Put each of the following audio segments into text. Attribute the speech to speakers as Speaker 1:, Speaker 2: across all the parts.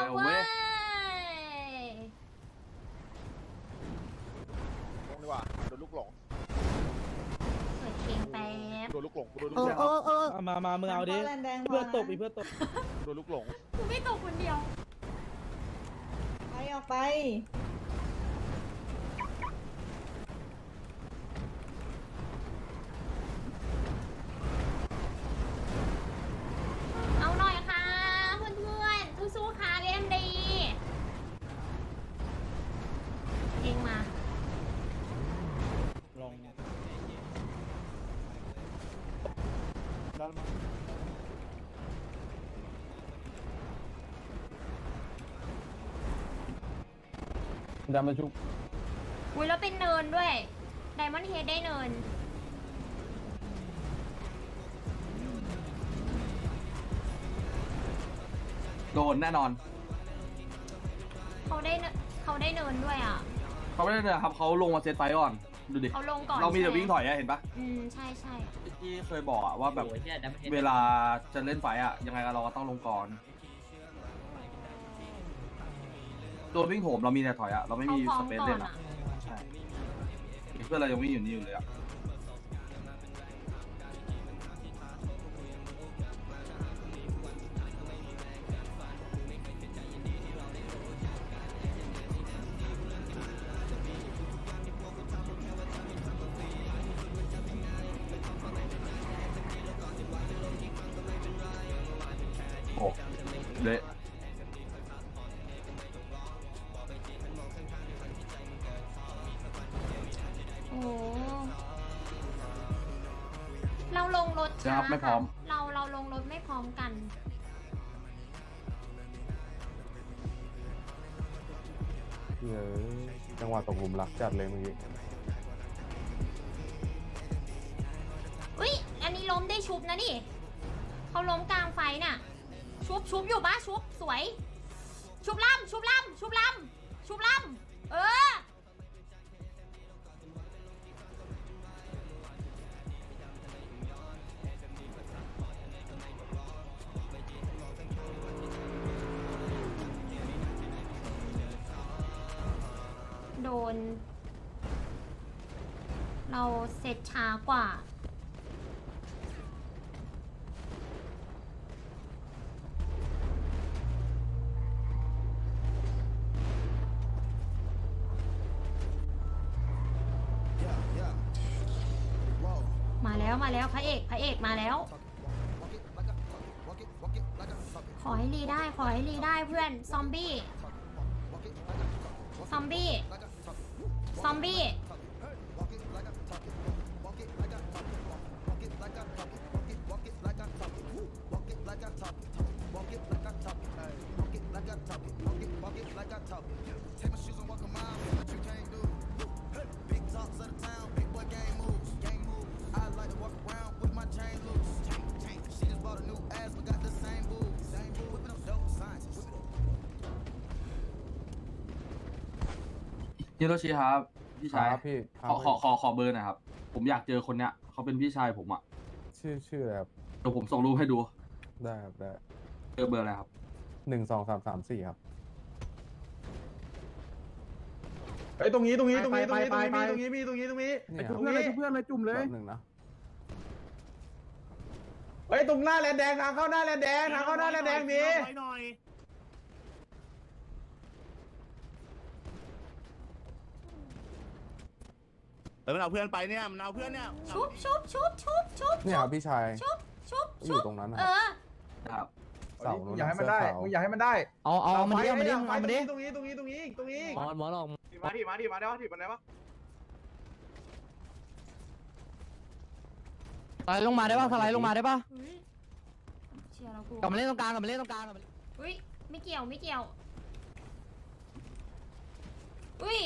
Speaker 1: แล้วเว้ย
Speaker 2: ลงดีกว่าโดนลูกหลง
Speaker 1: เปิดเพลงแป๊บ
Speaker 2: โดนลูกหลงโดนลูก
Speaker 1: โอ้
Speaker 2: หลง
Speaker 1: โอ้โอ้
Speaker 3: มามึงเอาดิเพื่อนตบอีเพื่อนตบ
Speaker 2: โดนลูกหลง
Speaker 1: กูไม่ตกคนเดียว
Speaker 4: ไปออกไป
Speaker 1: เอาหน่อยค่ะเพื่อนๆสู้ๆค่ะเล่นดีเองมา
Speaker 3: ลอง
Speaker 2: ดันมา
Speaker 3: ดันมาชุบ
Speaker 1: อุ้ยแล้วเป็นเนินด้วยไดมอนด์เฮดได้เนิน
Speaker 5: โดนแน่นอน
Speaker 1: เขาได้เนินด้วยอ่ะ
Speaker 5: เขาไม่ได้เนี่ยครับเขาลงมาเซตไฟก่อนดูดิ
Speaker 1: เขาลงก่อน
Speaker 5: เรามีแต่
Speaker 1: ใช่ไห
Speaker 5: วิ่งถอยอะเห็นปะ
Speaker 1: ใช่ใช่
Speaker 5: ที่เคยบอกอะว่าแบบเวลาจะเล่นไฟอะยังไงเราก็ต้องลงก่อนตัววิ่งโถมเรามีแต่ถอยอะเราไม่มี
Speaker 1: เขาพร้อ
Speaker 5: ส
Speaker 1: ม
Speaker 5: เปซ
Speaker 1: ก่อ
Speaker 5: เล่
Speaker 1: น
Speaker 5: น
Speaker 1: อ่ะ
Speaker 5: อะใช่เพื่อนเรายังวิ่งอยู่นี่อยู่เลยอะโอ้เละ
Speaker 1: โอ้เราลงรถ
Speaker 5: จะ
Speaker 1: ช้า
Speaker 5: ครับไม่พร้อม
Speaker 1: เราลงรถไม่พร้อมกัน
Speaker 6: เฮ้ยจังหวะตกหลุมรักจัดเลยเมื่อกี้
Speaker 1: อุ้ยอันนี้ล้มได้ชุบนะดิเขาล้มกลางไฟน่ะ ชุบอยู่ปะชุบสวย ชุบล่ำเออ โดน เราเสร็จช้ากว่า มาแล้วพระเอกมาแล้ว ขอให้รีได้เพื่อนซอมบี้
Speaker 5: ฮิโรชิครับพี่ชาย
Speaker 6: ครับพี่ครั
Speaker 5: ขอเบอร์หน่อยครับผมอยากเจอคนเนี้ยเขาเป็นพี่ชายผมอะ
Speaker 6: ชื่ออะไรครับ
Speaker 5: เดี๋ยวผมส่งรูปให้ดู
Speaker 6: ได้ครับได้
Speaker 5: เจอเบอร์อะไรครับ
Speaker 6: 1 2 3 3 4ครับ
Speaker 2: ไอ้ตรงนี้มีตรงนี้
Speaker 6: เนี่ย
Speaker 2: เพื่อนเลย
Speaker 6: แป๊
Speaker 2: เพื่อนเลยจุ่มเลย
Speaker 6: บนึงนะ
Speaker 2: เฮ้ยตรงหน้าแลนแดงทางเข้าหน้าแลนแดงมี
Speaker 7: มันเอาเพื่อนไปเนี่ยมันเอาเพื่อนเนี่ย
Speaker 1: ชุบ
Speaker 6: เนี่ยครับพี่ชาย
Speaker 1: ชุบ
Speaker 6: อยู่ตรงนั้นนะ
Speaker 1: เอ
Speaker 6: ครับ
Speaker 1: อ
Speaker 6: เสานู้น
Speaker 2: อย่าให้มันได้
Speaker 6: เสื้อขาว
Speaker 2: มึงอย่าให้มันได้
Speaker 3: เอามันดิเอามันดิเอามันดิ
Speaker 2: ตรงนี้
Speaker 3: หมอลอง
Speaker 2: มาได้ปะถีบมันได้ปะ
Speaker 3: สไลด์ลงมาได้ป่ะสไลด์ลงมาได้ป่ะ
Speaker 1: เฮ้ยเชียร์เรากู
Speaker 3: กลับมาเล่นตรงกลาง
Speaker 1: อุ้ยไม่เกี่ยวอุ้ย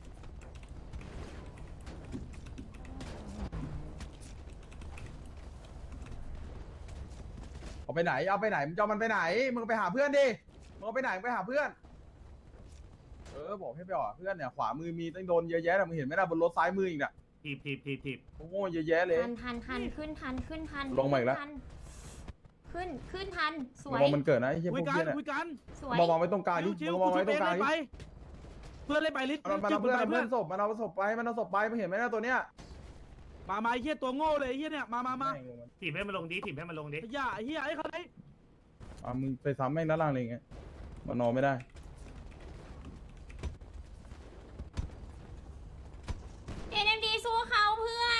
Speaker 2: เอาไปไหนมึงจะเอามันไปไหนมึงไปหาเพื่อนดิมึงเอาไปไหนมึงไปหาเพื่อนบอกให้ไปหาเพื่อนเนี่ยขวามือมีตั้งโดนเยอะแยะแต่มึงเห็นไหมล่ะบนรถซ้ายมืออีกน่ะ
Speaker 7: ถีบ
Speaker 2: โง่เยอะแยะเลย
Speaker 1: ทันขึ้นทัน
Speaker 2: ลงมาอีกแล้ว
Speaker 1: ขึ้ขึ้นทันสวย
Speaker 2: มองมันเกิดนะไอ้เหี้ยพ
Speaker 3: คุ
Speaker 2: วย ก
Speaker 3: กั
Speaker 2: เหี้
Speaker 3: น
Speaker 2: ยเนี่ย
Speaker 3: คุยกัน
Speaker 1: สวย
Speaker 2: มองไว้ตรงกลางดิ
Speaker 3: ชิว
Speaker 2: มึง
Speaker 3: ๆ
Speaker 2: ม
Speaker 3: กู
Speaker 2: อง
Speaker 3: ชุ
Speaker 2: ไว้
Speaker 3: บ
Speaker 2: ตร
Speaker 3: เอง
Speaker 2: งกลาง
Speaker 3: เล่น
Speaker 2: ดิ
Speaker 3: ไปเพื่อนเล่นไปลิศ
Speaker 2: มันเอาเพื่อนมันศพมันเอาศพไปมันเอาศพไปมึงเห็นไหมนะตัวเนี้ย
Speaker 3: มาไอ้เหี้ยตัวโง่เลยไอ้เหี้ยเนี่ยมา
Speaker 8: ถีบให้มันลงดิถีบให้มันลงดิ
Speaker 3: ไอ้ย่าไอ้เหี้ยไอ้เขาไหน
Speaker 2: มึงไปซ้ำแม่งด้านล่างเลยไงมันนอนไม่ได้
Speaker 1: NMD สู้เขาเพื่อน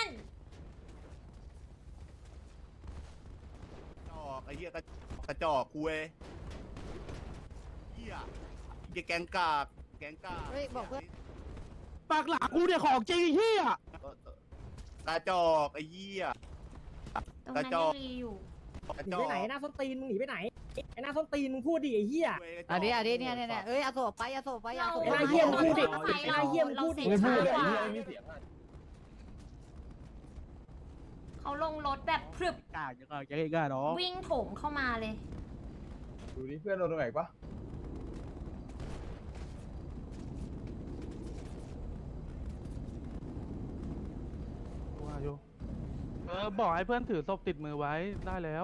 Speaker 7: จอกไอ้เหี้ยกระจอกคุยเหี้ยแกงกากแกงกาก
Speaker 4: เฮ้ยบอกเพื่อน
Speaker 3: ปากหลากูเนี่ยของจริงไอ้เหี้ย
Speaker 7: กระจอกไอ้เหี้ย
Speaker 1: ตรงนั้นยังรีอยู่
Speaker 7: กระ
Speaker 9: หนี
Speaker 7: จอ
Speaker 9: ไป
Speaker 7: ก
Speaker 9: ไหนหน้าส้นตีนมึงหนีไปไหนไอ้หน้าส้นตีนมึงพูดดิไอ้เหี้ย
Speaker 4: อันนี้เนี่ยเอ้ยเอาศพไปเอาศพไปเอา
Speaker 1: เรา
Speaker 4: ศพ
Speaker 9: ไอ้
Speaker 4: ไป
Speaker 9: หน้าเหี้ยมึงพูดดิ
Speaker 1: เรา
Speaker 9: ไอ้หน้าเหี้ยมึงพูดดิ
Speaker 1: เราเสร็จช้ากว่า
Speaker 3: ไม่เสียง
Speaker 1: เขาลงรถแบบพรึบ
Speaker 3: กล้าจะกล้าน้อง
Speaker 1: วิ่งโถมเข้ามาเลย
Speaker 2: ดูดิเพื่อนโดนตรงไหนปะ
Speaker 3: บอกให้เพื่อนถือศพติดมือไว้ได้แล้ว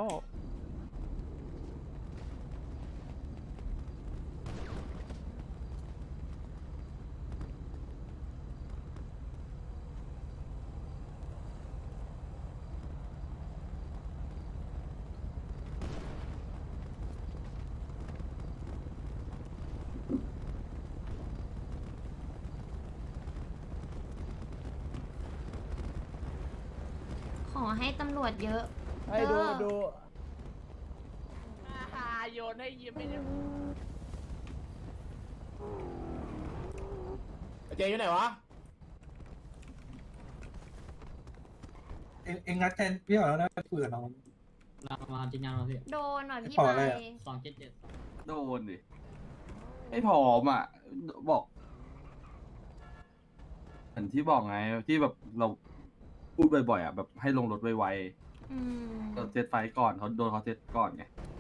Speaker 1: ขอให้ตำรวจเยอะ
Speaker 3: ให้ดู
Speaker 1: เด้อ
Speaker 9: โยนให้ยิ้มไม่ได้
Speaker 3: เจอยู่ไหนวะ
Speaker 8: เอ็งงัดแทนพี่เหรอแล้วคุยกับน้อง
Speaker 9: มาจริงยังเราพี่
Speaker 1: โดนหน่อยพี่
Speaker 8: ขอ
Speaker 1: ไป
Speaker 8: อะไรอะ
Speaker 9: 277
Speaker 5: โดนดิไม่พร้อมอ่ะบอกเหมือนที่บอกไงที่แบบเราพูดบ่อยๆอ่ะแบบให้ลงรถไว
Speaker 1: อืม
Speaker 5: ๆเราเซตไฟก่อนเขาโดนเขาเซตก่อนไง